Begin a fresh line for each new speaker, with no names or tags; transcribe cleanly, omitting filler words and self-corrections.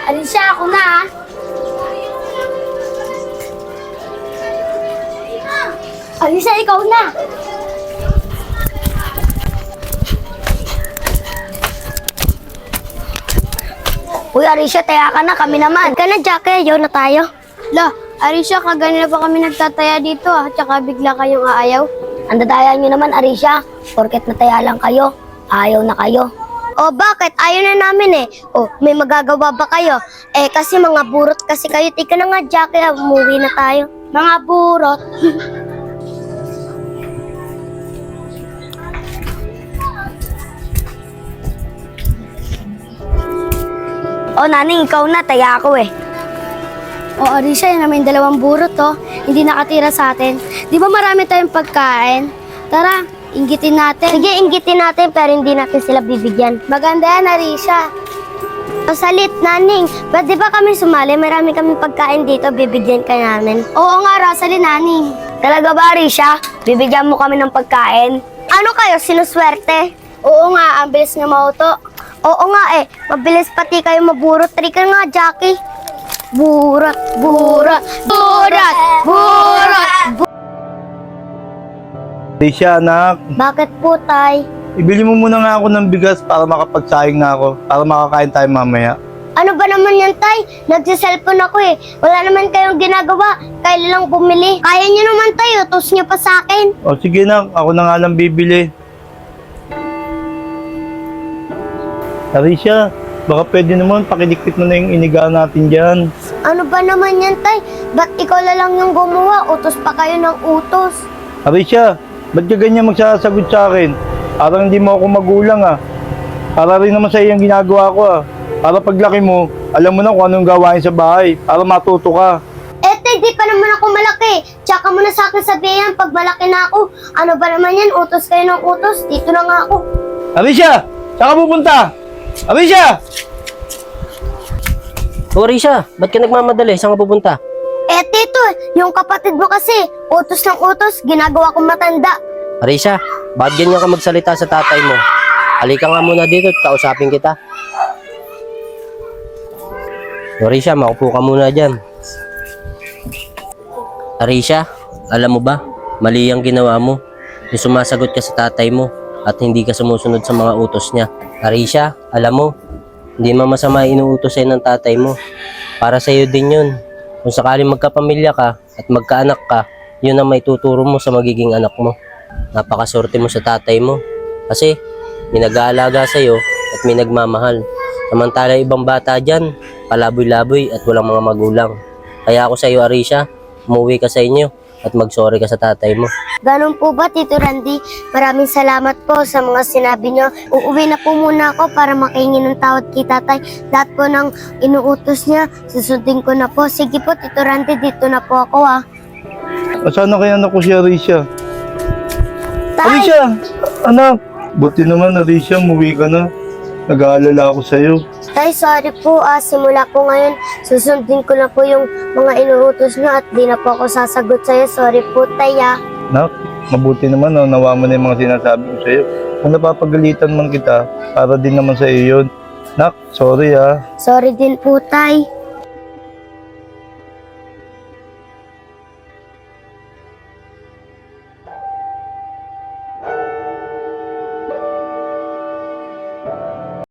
Alicia, ako na ah. Alicia, ikaw na.
Uy, Arisha, taya ka na. Kami naman. Ka na, Jackie. Ayaw na tayo.
La, Alicia, kaganila pa kami nagtataya dito ah. Tsaka bigla kayong aayaw.
Ang dadaya nyo naman, Arisha. Porket nataya lang kayo, ayaw na kayo. O bakit? Ayaw na namin eh. O, may magagawa ba kayo? Eh, kasi mga burot kasi kayo. Tika na nga, Jackie. Umuwi na tayo.
Mga burot.
O, naning, ikaw na. Taya ako eh.
O Alicia, yun namin dalawang burot oh. Hindi nakatira sa atin. Di ba marami tayong pagkain? Tara, inggitin natin.
Sige, inggitin natin pero hindi natin sila bibigyan.
Maganda yan, Alicia.
O, salit, naning. Pwede ba kami sumali? Marami kami pagkain dito. Bibigyan ka namin.
Oo nga, Rosalie, naning.
Talaga ba, Arisha? Bibigyan mo kami ng pagkain? Ano kayo? Sinuswerte?
Oo nga, ang bilis nga mauto.
Oo nga eh. Mabilis pati kayo maburot. Trika nga, Jackie. Burot, burot, burot, burot.
Alicia, anak,
Bakit po, tay?
ibili mo muna nga ako ng bigas para makapagsayang na ako, para makakain tayo mamaya.
Ano ba naman yan, tay? Nagsiselfone ako eh. Wala naman kayong ginagawa. Kailan lang bumili. Kaya niyo naman, tay. Utos niyo pa sa akin.
O sige na, ako na nga lang bibili. Alicia, baka pwede naman pakidikit mo na yung inigaan natin dyan.
Ano ba naman yan, tay? Ba't ikaw na lang yung gumawa? Utos pa kayo ng utos.
Alicia, ba't ka ganyan magsasagot sa akin? Parang hindi mo ako magulang ah. Para rin naman sa iyong ginagawa ko ah. Para paglaki mo, alam mo na kung anong gawain sa bahay. Para matuto ka.
Eh, tay, di pa naman ako malaki. Tsaka mo na sa akin sabihin pag malaki na ako. Ano ba naman yan? Utos kayo ng utos. Dito na nga ako.
Alicia, saan ka pupunta? Alicia!
O Risha, ba't ka nagmamadali? Saan ka pupunta?
Eh, tito, yung kapatid mo kasi, utos ng utos, ginagawa kong matanda.
Risha, bakit ganyan ka magsalita sa tatay mo? Halika nga muna dito at kausapin kita. O Risha, makupo ka muna dyan. Risha, alam mo ba, mali ang ginawa mo. Yung sumasagot ka sa tatay mo at hindi ka sumusunod sa mga utos niya. Risha, alam mo, hindi masama inuutos sa'yo ng tatay mo. Para sa'yo din yun. Kung sakaling magkapamilya ka at magkaanak ka, yun ang may tuturo mo sa magiging anak mo. Napakaswerte mo sa tatay mo. Kasi may nag-aalaga sa'yo at may nagmamahal. Samantala ibang bata dyan, palaboy-laboy at walang mga magulang. Kaya ako sa'yo, Arisha, umuwi ka sa inyo at mag-sorry ka sa tatay mo.
Ganun po ba, Tito Randy? Maraming salamat po sa mga sinabi nyo. Uuwi na po muna ako para makahingi ng tawad kay tatay. Lahat po ng inuutos niya, susundin ko na po. Sige po, Tito Randy, dito na po ako ah.
Asan na kaya anak ko si Alicia?
Tay!
Alicia! Anak! Buti naman, Alicia, umuwi ka na. Nag-aalala ako sa'yo.
Tay, sorry po ah. Simula po ngayon, susundin ko na po yung mga inuutos nyo at di na po ako sasagot sa'yo. Sorry po, tay ah.
Nak, mabuti naman, no, nawa mo na yung mga sinasabi ko sa'yo. Kung napapagalitan man kita, para din naman sa iyo yun. Nak, sorry ah.
Sorry din po, tay.